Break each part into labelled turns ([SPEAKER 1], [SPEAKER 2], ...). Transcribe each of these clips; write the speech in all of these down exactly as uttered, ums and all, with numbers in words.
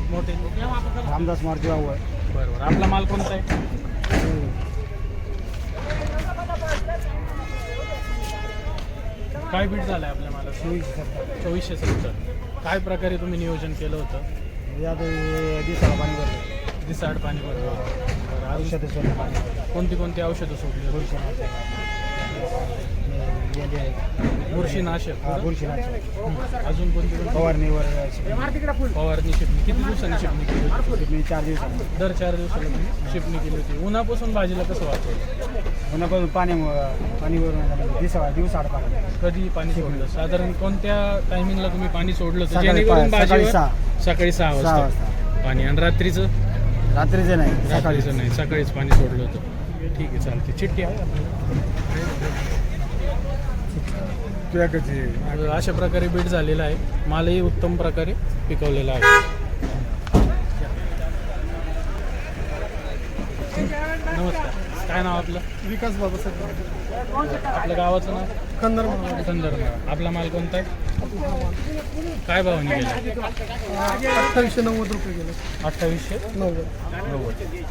[SPEAKER 1] मोठे
[SPEAKER 2] रामदास मारुती वावळ.
[SPEAKER 1] बरोबर. आपला माल कोणता आहे? काय बीट झालाय आपल्या माला?
[SPEAKER 2] चोवीसशे सत्तर.
[SPEAKER 1] चोवीसशे सत्तर. काय प्रकारे तुम्ही नियोजन केलं होतं?
[SPEAKER 2] यात दिसाला पाणी भरलं.
[SPEAKER 1] दिसाड पाणी भरलं. बरं. अजून
[SPEAKER 2] औषधं सोडलं पाणी.
[SPEAKER 1] कोणती कोणती औषधं सोडली? बुरशीनाशक.
[SPEAKER 2] हा बुरशीनाशक.
[SPEAKER 1] अजून कोणती कोणती?
[SPEAKER 2] फवारणीवर
[SPEAKER 1] फवारणी शिपणी. किती दिवसांनी शिपणी केली होती?
[SPEAKER 2] मी चार दिवसात
[SPEAKER 1] दर चार दिवसाला तुम्ही शिपणी केली होती. उन्हापासून भाजीला कसं वाचवलं?
[SPEAKER 2] पुन्हा पाण्यामुळं पाणीवर दिसा दिवसाआड पाणी.
[SPEAKER 1] कधी पाणी सोडलं? साधारण कोणत्या टायमिंगला तुम्ही पाणी सोडलं होतं?
[SPEAKER 2] सकाळी
[SPEAKER 1] जेणेकरून
[SPEAKER 2] पा- सकाळी
[SPEAKER 1] भाजीवर
[SPEAKER 2] सहा.
[SPEAKER 1] सकाळी सहा
[SPEAKER 2] सहा
[SPEAKER 1] वाजता
[SPEAKER 2] वाजता.
[SPEAKER 1] पाणी. आणि रात्रीचं?
[SPEAKER 2] रात्रीचं नाही सकाळी.
[SPEAKER 1] रात्रीचं नाही, सकाळीच पाणी सोडलं होतं. ठीक आहे, चालते. चिठ्ठी आहे. अशा प्रकारे बीट झालेला आहे. मालही उत्तम प्रकारे पिकवलेला आहे. नमस्कार. काय नाव आपलं?
[SPEAKER 2] विकास बाबासाहेब.
[SPEAKER 1] आपल्या गावाचं नाव?
[SPEAKER 2] कंदर
[SPEAKER 1] कंदर. आपला माल कोणता आहे? काय भावाने गेला?
[SPEAKER 2] अठ्ठावीसशे नव्वद रुपये गेले.
[SPEAKER 1] अठ्ठावीसशे
[SPEAKER 2] नव्वद.
[SPEAKER 1] नव्वद.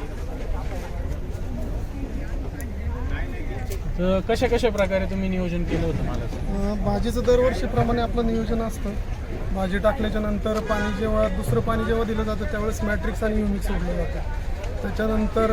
[SPEAKER 1] तर कशा कशा प्रकारे तुम्ही नियोजन केलं होतं मालाचं?
[SPEAKER 2] भाजीचं दरवर्षीप्रमाणे आपलं नियोजन असतं. भाजी टाकल्याच्या नंतर पाणी जेव्हा दुसरं पाणी जेव्हा दिलं जातं त्यावेळेस मॅट्रिक्स आणि युमिक सोडलं जातं. त्याच्यानंतर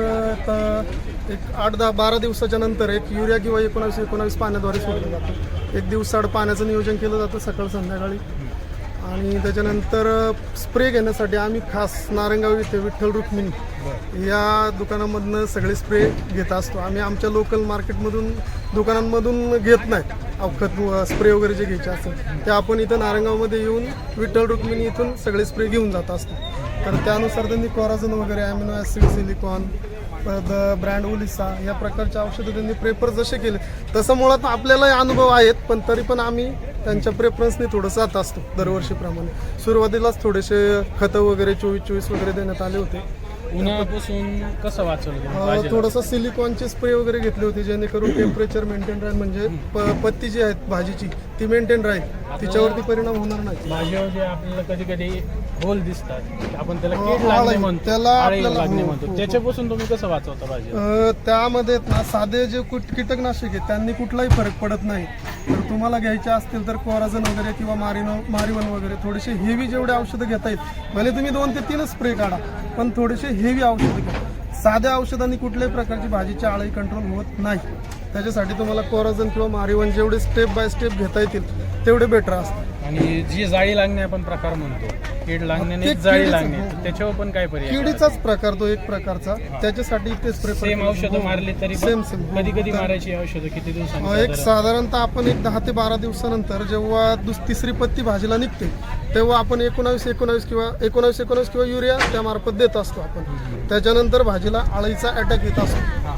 [SPEAKER 2] त- एक आठ दहा बारा दिवसाच्या नंतर एक युरिया किंवा एकोणावीस एकोणावीस पाण्याद्वारे सोडलं जातं. एक दिवसाआड पाण्याचं नियोजन केलं जातं सकाळ संध्याकाळी. आणि त्याच्यानंतर स्प्रे घेण्यासाठी आम्ही खास नारंगाव इथे विठ्ठल रुक्मिणी या दुकानामधनं सगळे स्प्रे घेत असतो. आम्ही आमच्या लोकल मार्केटमधून दुकानांमधून घेत नाही. अवखत स्प्रे वगैरे जे घ्यायचे असेल ते आपण इथं नारंगावमध्ये येऊन विठ्ठल रुक्मिणी इथून सगळे स्प्रे घेऊन जात असतो. तर त्यानुसार त्यांनी कोराझन वगैरे amino acid silicon the brand ओलिसा या प्रकारचे औषधं त्यांनी प्रेफर जसे केले तसं मुळात आपल्यालाही अनुभव आहेत. पण तरी पण आम्ही त्यांच्या प्रेफरन्सने थोडंसं जात असतो दरवर्षीप्रमाणे. सुरुवातीलाच थोडेसे खतं वगैरे चोवीस चोवीस वगैरे देण्यात आले होते.
[SPEAKER 1] उन्हापासून कसं वाचवलं तुम्ही
[SPEAKER 2] अं,
[SPEAKER 1] भाजीला?
[SPEAKER 2] थोडंसं सिलिकॉनचे स्प्रे वगैरे घेतले होते जेणेकरून टेम्परेचर मेंटेन राहील. म्हणजे प- पत्ती जी आहेत भाजीची ती मेंटेन राहील, तिच्यावरती परिणाम होणार नाही.
[SPEAKER 1] भाजीवर जे आपल्याला कधी कधी होल दिसतात, आपण त्याला
[SPEAKER 2] हो,
[SPEAKER 1] कीड लागणे
[SPEAKER 2] आळी.
[SPEAKER 1] म्हणतो,
[SPEAKER 2] त्याला
[SPEAKER 1] आळी
[SPEAKER 2] आपल्याला-
[SPEAKER 1] लागणे
[SPEAKER 2] हो,
[SPEAKER 1] म्हणतो.
[SPEAKER 2] हो, हो.
[SPEAKER 1] त्याच्यापासून तुम्ही कसं वाचवता भाजी?
[SPEAKER 2] अ, त्यामध्ये ना साधे जे कुट कीटकनाशक आहेत त्यांनी कुठलाही फरक पडत नाही. तर तुम्हाला घ्यायचे असतील तर कोराझन वगैरे किंवा मारिनो मारिवन वगैरे थोडेसे हेवी जेवढे औषधं घेता येईल भले तुम्ही दोन ते तीनच स्प्रे काढा पण थोडेसे हेवी औषधं घ्या. साध्या औषधांनी कुठल्याही प्रकारची भाजीची आळी कंट्रोल होत नाही. त्याच्यासाठी तुम्हाला कोराझन किंवा मारिवन जेवढे स्टेप बाय स्टेप घेता येतील तेवढे बेटर असतात.
[SPEAKER 1] आणि जी जाळी लागणे आपण प्रकार म्हणतो, कीड लागण्याने
[SPEAKER 2] ते
[SPEAKER 1] जाळी
[SPEAKER 2] किडीचं-
[SPEAKER 1] लागणे,
[SPEAKER 2] हो.
[SPEAKER 1] त्याच्यावर पण काय पर्याय?
[SPEAKER 2] किडीचाच प्रकार तो एक प्रकारचा. त्याच्यासाठी ते स्प्रे
[SPEAKER 1] सेम औषधं मारली तरी
[SPEAKER 2] सेम सेम
[SPEAKER 1] कधी कधी मारायची औषधं किती दिवसांनी?
[SPEAKER 2] एक
[SPEAKER 1] साधारण?
[SPEAKER 2] साधारणतः आपण एक दहा ते बारा दिवसानंतर जेव्हा दुस तिसरी पत्ती भाजीला निघते तेव्हा आपण एकोणावीस एकोणावीस किंवा एकोणावीस एकोणावीस किंवा युरिया त्यामार्फत देत असतो आपण. त्याच्यानंतर भाजीला आळीचा अटॅक येत असतो.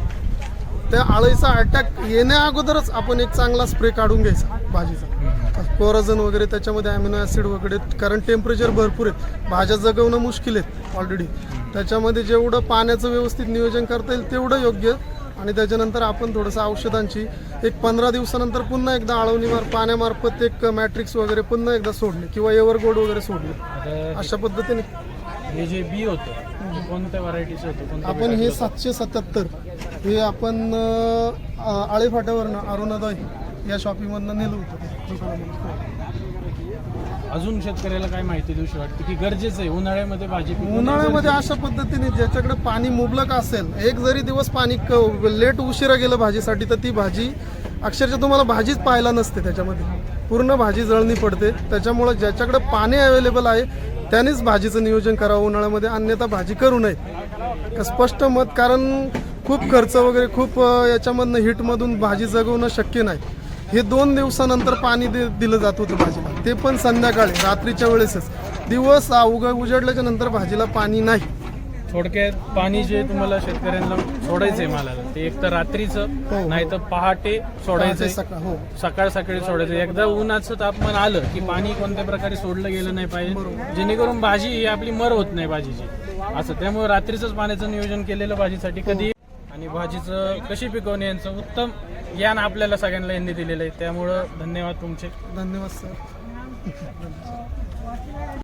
[SPEAKER 2] त्या आळीचा अटॅक येण्या अगोदरच आपण एक चांगला स्प्रे काढून घ्यायचा भाजीचा, कोराझन वगैरे त्याच्यामध्ये ॲमिनो ॲसिड वगैरे. कारण टेम्परेचर भरपूर आहेत, भाज्या जगवणं मुश्किल आहेत ऑलरेडी. त्याच्यामध्ये जेवढं पाण्याचं व्यवस्थित नियोजन करता येईल तेवढं योग्य. आणि त्याच्यानंतर आपण थोडंसं औषधांची एक पंधरा दिवसानंतर पुन्हा एकदा आळवणीमार पाण्यामार्फत एक मॅट्रिक्स वगैरे पुन्हा एकदा सोडले किंवा एव्हरगोल्ड वगैरे सोडले.
[SPEAKER 1] आता
[SPEAKER 2] अशा पद्धतीने
[SPEAKER 1] हे जे बी होतं ते कोणत्या व्हरायटीचं होतं? कोणत्या
[SPEAKER 2] आपण हे
[SPEAKER 1] प्रकारचं
[SPEAKER 2] सातशे सत्याहत्तर हे आपण अं, आळेफाट्यावरनं अरुणादय या शॉपिंगमधनं नेलं होतं ते दुकानामध्ये.
[SPEAKER 1] होतं? अजून शेतकऱ्याला काय माहिती देऊशी वाटते की गरजेचं आहे उन्हाळ्यामध्ये भाजी पिकवणं
[SPEAKER 2] उन्हाळ्यामध्ये
[SPEAKER 1] गरजेचं
[SPEAKER 2] अशा पद्धतीने ज्याच्याकडे पाणी मुबलक असेल, एक जरी दिवस पाणी लेट उशिरा गेलं भाजीसाठी तर ती भाजी अक्षरशः तुम्हाला भाजीच पाहायला नसते. त्याच्यामध्ये पूर्ण भाजी जळणी पडते. त्याच्यामुळं ज्याच्याकडे पाणी अवेलेबल आहे त्यानेच भाजीचं नियोजन करावं उन्हाळ्यामध्ये, अन्यथा भाजी करू नये. स्पष्ट मत. कारण खूप खर्च वगैरे खूप अं, याच्यामधनं हिटमधून भाजी जगवणं शक्य नाही. हे दोन दिवसानंतर पाणी दे दिलं जात होतं भाजीला, ते पण संध्याकाळी रात्रीच्या वेळेसच. दिवस उग उजडल्याच्या नंतर भाजीला पाणी नाही.
[SPEAKER 1] थोडक्यात पाणी जे तुम्हाला शेतकऱ्यांना सोडायचंय मालाला ते एक तर रात्रीचं
[SPEAKER 2] हो.
[SPEAKER 1] नाही तर पहाटे सोडायचंय,
[SPEAKER 2] सकाळ हो
[SPEAKER 1] सकाळ सकाळी सोडायचं. एकदा उन्हाचं तापमान आलं की पाणी कोणत्या प्रकारे सोडलं गेलं नाही पाहिजे, जेणेकरून भाजी ही आपली मर होत नाही भाजीची असं. त्यामुळे रात्रीचंच पाण्याचं नियोजन केलेलं भाजीसाठी कधी. आणि भाजीचं कशी पिकवणे यांचं उत्तम ज्ञान आपल्याला सगळ्यांना यांनी दिलेलं आहे. त्यामुळं धन्यवाद तुमचे.
[SPEAKER 2] धन्यवाद सर.